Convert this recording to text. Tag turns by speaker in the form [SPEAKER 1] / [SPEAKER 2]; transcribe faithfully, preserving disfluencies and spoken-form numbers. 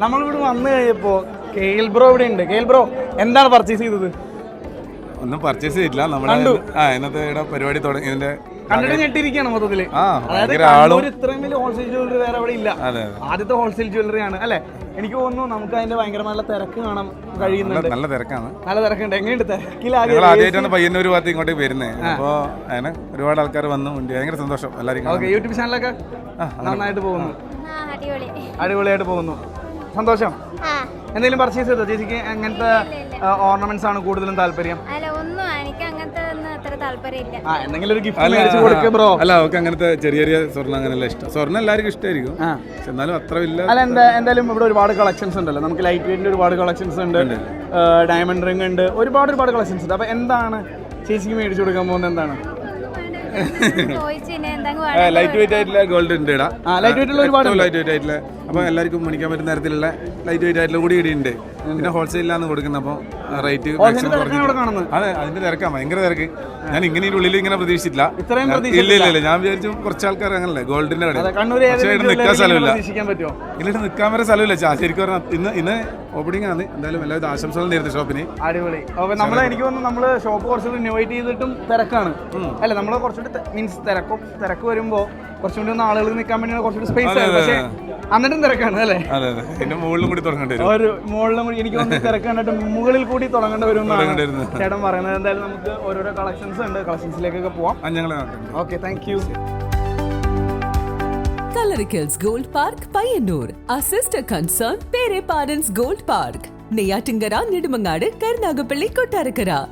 [SPEAKER 1] നമ്മളിവിടെ വന്നു കഴിഞ്ഞപ്പോ കെയിൽ ബ്രോ ഇവിടെ ഉണ്ട്. കെയിൽ ബ്രോ എന്താണ് പർച്ചേസ് ചെയ്തത്?
[SPEAKER 2] ഒന്നും പർച്ചേസ് ചെയ്തില്ല. നമ്മുടെ ആ ഇന്നത്തെ ഇവിടെ പരിപാടി തുടങ്ങി ഇതിന്റെ
[SPEAKER 1] കണ്ടിട്ട് ഞെട്ടിരിക്കുകയാണ് മൊത്തത്തില്.
[SPEAKER 2] ആ
[SPEAKER 1] അതായത്
[SPEAKER 2] ഭയങ്കര ആളും
[SPEAKER 1] കണ്ണൂര് ഇത്രയും വലിയ ഹോൾസെയിൽ ജ്വല്ലറി വേറെ അവിടെ ഇല്ല.
[SPEAKER 2] അതെ
[SPEAKER 1] ആദ്യത്തെ ഹോൾസെയിൽ ജ്വല്ലറി ആണ് അല്ലെ? എനിക്ക് തോന്നുന്നു നമുക്ക് അതിന്റെ ഭയങ്കര നല്ല തിരക്ക് കാണാൻ കഴിയുന്നുണ്ട്.
[SPEAKER 2] നല്ല തിരക്കാണ്.
[SPEAKER 1] നല്ല തിരക്കുണ്ട്. എങ്ങനെയുണ്ട് തിരക്കിലാകെ?
[SPEAKER 2] ഞങ്ങൾ ആദ്യമായിട്ടാണ് പയ്യന്നൂർ ഭാഗത്ത് ഇങ്ങോട്ടേക്ക് വരുന്നത്. അപ്പോൾ അതിന് ഒരുപാട് ആൾക്കാർ വന്നു. ഭയങ്കര സന്തോഷം എല്ലാവർക്കും.
[SPEAKER 1] ഓക്കെ, യൂട്യൂബ് ചാനലൊക്കെ നന്നായിട്ട് പോകുന്നു,
[SPEAKER 3] അടിപൊളി
[SPEAKER 1] അടിപൊളിയായിട്ട് പോകുന്നു. സന്തോഷം. എന്തെങ്കിലും പർച്ചേസ് ചെയ്തോ ചേച്ചിക്ക്? അങ്ങനത്തെ ഓർണമെന്റ്സ് ആണ് കൂടുതലും താല്പര്യം?
[SPEAKER 3] അല്ല, ഒന്നും എനിക്ക് അങ്ങനത്തെ ഒന്നും അത്ര താല്പര്യമില്ല.
[SPEAKER 1] ആ എന്തെങ്കിലും ഒരു ഗിഫ്റ്റ് മേടിച്ച് കൊടുക്കുക ബ്രോ.
[SPEAKER 2] അല്ല, അവർക്ക് അങ്ങനത്തെ ചെറിയ ചെറിയ സ്വർണ്ണം അങ്ങനെയല്ല ഇഷ്ടം. സ്വർണ്ണം എല്ലാവർക്കും ഇഷ്ടമായിരിക്കും, പക്ഷെ എന്നാലും അത്ര ഇല്ല.
[SPEAKER 1] അല്ല, എന്താ എന്തായാലും ഇവിടെ ഒരുപാട് കളക്ഷൻസ് ഉണ്ടല്ലോ. നമുക്ക് ലൈറ്റ് വെയിറ്റിന്റെ ഒരുപാട് കളക്ഷൻസ് ഉണ്ട്, ഡയമണ്ട് റിംഗ് ഉണ്ട്, ഒരുപാട് ഒരുപാട് കളക്ഷൻസ് ഉണ്ട്. അപ്പൊ എന്താണ് ചേച്ചിക്ക് മേടിച്ചു കൊടുക്കാൻ പോകുന്നത്? എന്താണ്?
[SPEAKER 2] ലൈറ്റ് വെയിറ്റ് ആയിട്ടുള്ള ഗോൾഡ് ഉണ്ട് ഇടാ.
[SPEAKER 1] ലൈറ്റ് വെയിറ്റുള്ള ഒരുപാട്
[SPEAKER 2] ലൈറ്റ് വെയിറ്റ് ആയിട്ടുള്ള, അപ്പൊ എല്ലാവർക്കും മേടിക്കാൻ പറ്റുന്ന തരത്തിലുള്ള ലൈറ്റ് വെയിറ്റ് ആയിട്ടുള്ള കൂടി ഇടിയുണ്ട്. പിന്നെ ഹോൾസെയിലാണ് കൊടുക്കുന്നത്. അപ്പോൾ റേറ്റ് അതെ, അതിന്റെ തിരക്കാ, ഭയങ്കര തിരക്ക്. ഞാൻ ഇങ്ങനെ ഉള്ളിൽ ഇങ്ങനെ പ്രതീക്ഷിച്ചില്ല. ഇല്ല ഇല്ല ഇല്ല ഞാൻ വിചാരിച്ചു കുറച്ച് ആൾക്കാർ അങ്ങനല്ലേ ഗോൾഡിന്റെ കട, പക്ഷേ ഇവിടെ നിൽക്കാൻ സ്ഥലമില്ല. ഇല്ലിട്ട് നിൽക്കാൻ വരെ സ്ഥലമില്ല. ശരിക്കും പറഞ്ഞാൽ ഇന്ന് ഇന്ന് ഓപ്പണിംഗ് ആണ്. എന്തായാലും എല്ലാവരും ആശംസകൾ നേരിട്ട് ഷോപ്പിന്.
[SPEAKER 1] അടിപൊളി. അപ്പൊ നമ്മള് എനിക്ക് തോന്നുന്നു നമ്മള് ഷോപ്പ് കുറച്ചുകൂടി ഇന്നോവേറ്റ് ചെയ്തിട്ടും തിരക്കാണ് അല്ല? നമ്മള് കുറച്ചുകൂടി മീൻസ് തിരക്കും തിരക്ക് വരുമ്പോ കുറച്ചുകൂടി ഒന്ന് ആളുകൾ നിൽക്കാൻ വേണ്ടിയാണ് കുറച്ചുകൂടി സ്പേസ് ആണ്. പക്ഷേ എന്നിട്ടും തിരക്കാണ് അല്ലേ?
[SPEAKER 2] അതെ അതെ, പിന്നെ മുകളിലും കൂടി തുടങ്ങേണ്ടി വരും.
[SPEAKER 1] ഒരു മുകളിലും കൂടി എനിക്ക് തോന്നുന്നു തിരക്ക് കണ്ടിട്ട് മുകളിൽ കൂടി തുടങ്ങേണ്ടി വരും എന്നാണ് ചേട്ടൻ പറയുന്നത്. എന്തായാലും നമുക്ക് ഓരോരോ കളക്ഷൻസ് ഉണ്ട്, കളക്ഷൻസിലേക്കൊക്കെ പോവാം. Okay, thank you.
[SPEAKER 4] Coloricals Gold Park, Payanur. Our sister concern, Pere Parents Gold Park. Neyyattinkara, Nedumangad, Karunagappally, Kottarakkara.